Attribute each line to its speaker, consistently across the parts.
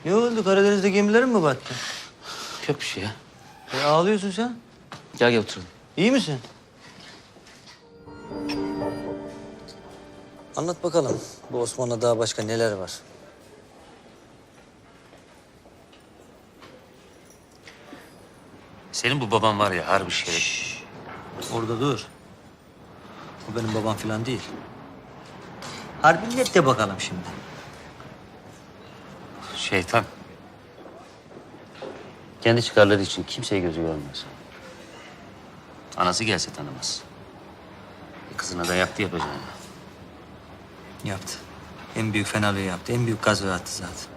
Speaker 1: Ne oldu? Karadeniz'de gemilerin mi battı?
Speaker 2: Yok bir şey ya.
Speaker 1: Ağlıyorsun sen.
Speaker 2: Gel oturalım.
Speaker 1: İyi misin? Anlat bakalım. Bu Osman'la daha başka neler var?
Speaker 2: Senin bu baban var ya harbi şey.
Speaker 1: Orada dur. O benim babam falan değil. Harbi net de bakalım şimdi.
Speaker 2: Şeytan. Kendi çıkarları için kimseye gözü görmez. Anası gelse tanımaz. Kızına da yaptı yapacağını.
Speaker 1: Yaptı. En büyük fenalığı yaptı. En büyük gazı attı zaten.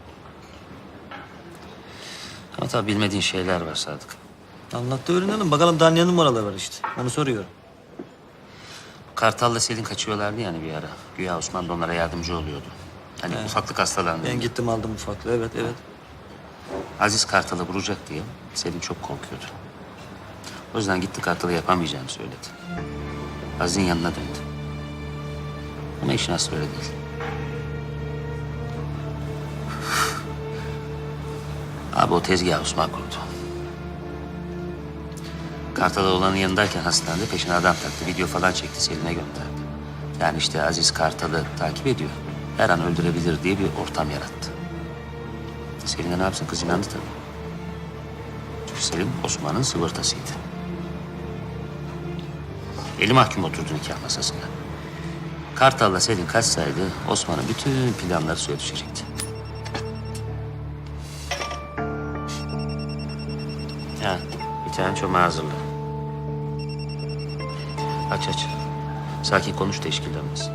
Speaker 2: Ama tabii bilmediğin şeyler var Sadık.
Speaker 1: Anlat da öğrenelim. Bakalım daha ne numaralar var işte. Onu soruyorum.
Speaker 2: Kartal'la Selin kaçıyorlardı yani bir ara. Güya Osman da onlara yardımcı oluyordu. Hani ufaklık hastalandı.
Speaker 1: Ben gittim aldım ufaklığı. Evet, evet.
Speaker 2: Aziz Kartal'ı vuracak diye Selin çok korkuyordu. O yüzden gitti Kartal'ı yapamayacağını söyledi. Aziz'in yanına döndü. Ama işin aslı öyle değil. Abi o tezgahı Osman kurdu. Kartal'ı olanın yanındayken hastanede peşine adam taktı. Video falan çekti, Selin'e gönderdi. Yani işte Aziz Kartal'ı takip ediyor. Her an öldürebilir diye bir ortam yarattı. Selin de ne yapsın? Kız inandı tabii. Çünkü Selin Osman'ın sıvırtasıydı. Eli mahkum oturdu nikah masasına. Kartal'la Selin kaçsaydı Osman'ın bütün planları suya düşecekti. Ha, bir tane çomağı hazırla. Aç. Sakin konuş da işkillenmesin.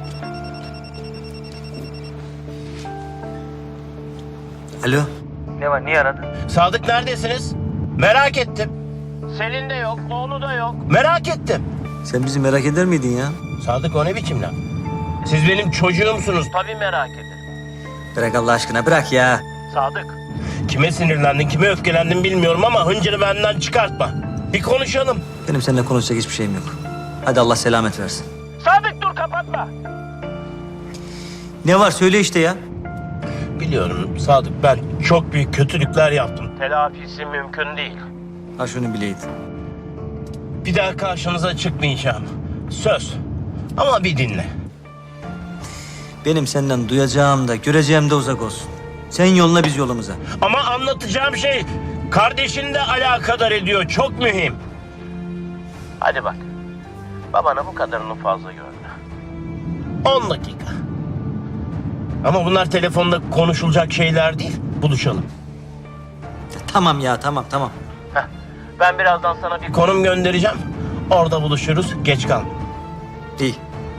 Speaker 1: Alo.
Speaker 3: Ne var? Niye aradın?
Speaker 4: Sadık neredesiniz? Merak ettim.
Speaker 3: Selin de yok, oğlu da yok.
Speaker 4: Merak ettim.
Speaker 1: Sen bizi merak eder miydin ya?
Speaker 4: Sadık o ne biçim laf? Siz benim çocuğumsunuz.
Speaker 3: Tabii merak ederim.
Speaker 1: Bırak Allah aşkına bırak ya.
Speaker 3: Sadık,
Speaker 4: Kime sinirlendin, kime öfkelendin bilmiyorum ama hıncını benden çıkartma. Bir konuşalım.
Speaker 1: Benim seninle konuşacak hiçbir şeyim yok. Hadi Allah selamet versin.
Speaker 3: Sadık dur kapatma.
Speaker 1: Ne var söyle işte ya.
Speaker 4: Biliyorum Sadık, ben çok büyük kötülükler yaptım.
Speaker 3: Telafisi mümkün değil.
Speaker 1: Ha şunu bileydin.
Speaker 4: Bir daha karşınıza çıkmayacağım. Söz. Ama bir dinle.
Speaker 1: Benim senden duyacağım da göreceğim de uzak olsun. Sen yoluna biz yolumuza.
Speaker 4: Ama anlatacağım şey kardeşini de alakadar ediyor. Çok mühim.
Speaker 3: Hadi bak, babana bu kadarını fazla görme.
Speaker 4: 10 dakika. Ama bunlar telefonda konuşulacak şeyler değil. Buluşalım.
Speaker 1: Tamam ya tamam.
Speaker 3: Heh, ben birazdan sana bir
Speaker 4: Konum göndereceğim. Orada buluşuruz. Geç kalma.
Speaker 1: İyi.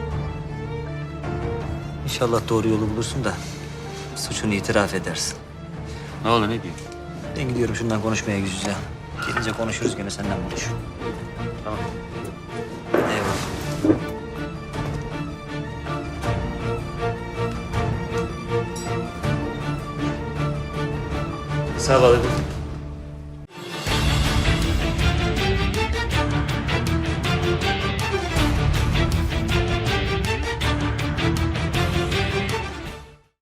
Speaker 1: İnşallah doğru yolu bulursun da suçunu itiraf edersin.
Speaker 2: Ne oldu ne diyor?
Speaker 1: Ben gidiyorum şundan konuşmaya yüz yüze. Gelince konuşuruz gene senden buluş.
Speaker 2: Tamam.
Speaker 1: Eyvallah.
Speaker 2: Sağ ol.